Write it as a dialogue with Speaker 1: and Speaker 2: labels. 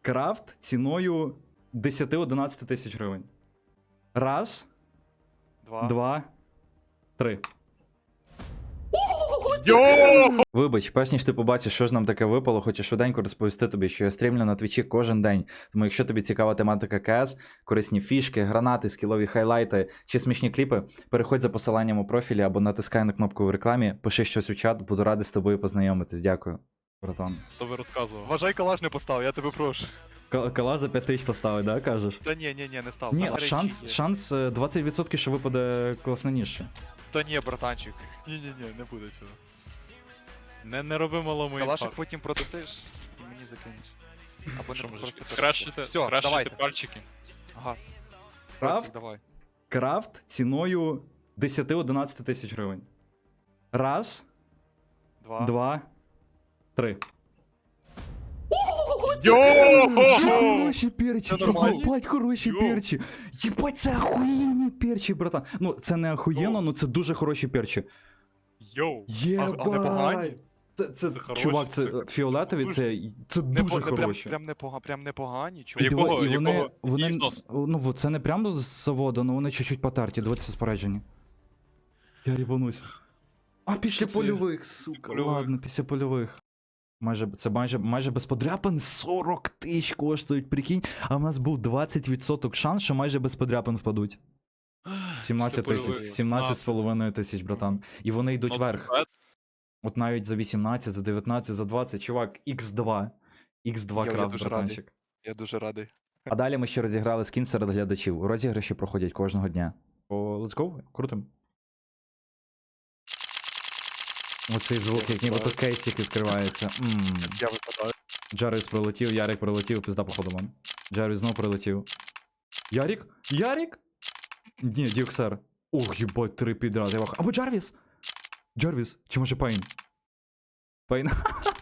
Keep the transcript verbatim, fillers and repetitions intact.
Speaker 1: Крафт ціною десять-одинадцять тисяч гривень. Раз,
Speaker 2: Два.
Speaker 1: два, три.
Speaker 3: Йо!
Speaker 1: Вибач, перш ніж ти побачиш, що ж нам таке випало, хочу швиденько розповісти тобі, що я стрімлю на твічі кожен день. Тому якщо тобі цікава тематика КС, корисні фішки, гранати, скілові хайлайти чи смішні кліпи, переходь за посиланням у профілі або натискай на кнопку в рекламі, пиши щось у чат, буду радий з тобою познайомитись. Дякую. Братан.
Speaker 3: Хто ви розказував?
Speaker 2: Вважай, калаш не постав, я тебе прошу.
Speaker 1: Калаш за п'ять тисяч поставить, да, кажеш?
Speaker 2: Та ні, ні, ні, не став.
Speaker 1: Ні,
Speaker 2: Там речі
Speaker 1: шанс,
Speaker 2: є.
Speaker 1: шанс е, двадцять відсотків, що випаде класне ніжче.
Speaker 2: Та ні, братанчик. Ні, ні, ні, не буде цього.
Speaker 3: Не, не роби малому
Speaker 2: Калашик
Speaker 3: інфаркт.
Speaker 2: потім продасиш і мені закинеш. Або
Speaker 3: Що
Speaker 2: не
Speaker 3: може,
Speaker 2: просто
Speaker 3: скрашити,
Speaker 2: Все,
Speaker 3: скрашити
Speaker 2: давайте.
Speaker 3: пальчики.
Speaker 2: Газ.
Speaker 1: Крафт?
Speaker 2: Крафт? Давай.
Speaker 1: Крафт ціною десять-одинадцять тисяч гривень. Раз,
Speaker 2: Два.
Speaker 1: два, три.
Speaker 3: Йо!
Speaker 1: Це хороші перчі,
Speaker 2: Це
Speaker 1: це
Speaker 2: нормально?
Speaker 1: єбать хороші
Speaker 3: Йо.
Speaker 1: перчі. Єбать, це охуєнні перчі, братан. Ну, це не охуєнно, ну це дуже хороші перчі.
Speaker 3: Йоу!
Speaker 1: Єбать.
Speaker 2: А- а непогані?
Speaker 1: Це, це,
Speaker 3: Це хороші,
Speaker 1: чувак, це
Speaker 3: це-
Speaker 1: фіолетові,
Speaker 3: дуже.
Speaker 1: це, це
Speaker 2: Не,
Speaker 1: дуже
Speaker 2: по- не прям,
Speaker 1: хороші.
Speaker 2: прям, непога, прям непогані,
Speaker 1: І,
Speaker 2: чого.
Speaker 3: Якого-
Speaker 1: диви- і вони,
Speaker 3: якого
Speaker 1: вони,
Speaker 3: ізнос?
Speaker 1: ну, во, це не прямо з заводу, ну вони чуть-чуть потерті, дивіться споряджені. Я їбанусь. А після
Speaker 3: Це-
Speaker 1: польових, сука,
Speaker 3: польових.
Speaker 1: ладно, після польових. Майже, це майже, майже без подряпин сорок тисяч коштують, прикинь, а в нас був двадцять відсотків шанс, що майже без подряпин впадуть. сімнадцять
Speaker 3: Після
Speaker 1: тисяч,
Speaker 3: польових.
Speaker 1: сімнадцять з половиною тисяч, братан. І вони йдуть
Speaker 3: Not
Speaker 1: вверх.
Speaker 3: bad.
Speaker 1: От навіть за вісімнадцять, за дев'ятнадцять, за двадцять, чувак, ікс два. ікс два
Speaker 2: Йо, я
Speaker 1: крафт,
Speaker 2: дуже
Speaker 1: братанчик.
Speaker 2: Я дуже радий.
Speaker 1: А далі ми ще розіграли скін серед глядачів. Розіграші проходять кожного дня. О, let's go, крутим. Оцей звук, як нібито кейсик відкривається. Ммм.
Speaker 2: Я випадаю.
Speaker 1: Джарвіс прилетів, Ярик прилетів, пізда походу ман. Джарвіс знов прилетів. Ярик? Ярик? Ні, Дюксер. Ох, їбать, три підряд. Я вах... Або Джарвіс! Джарвіс, чи може Пейн? Пейн.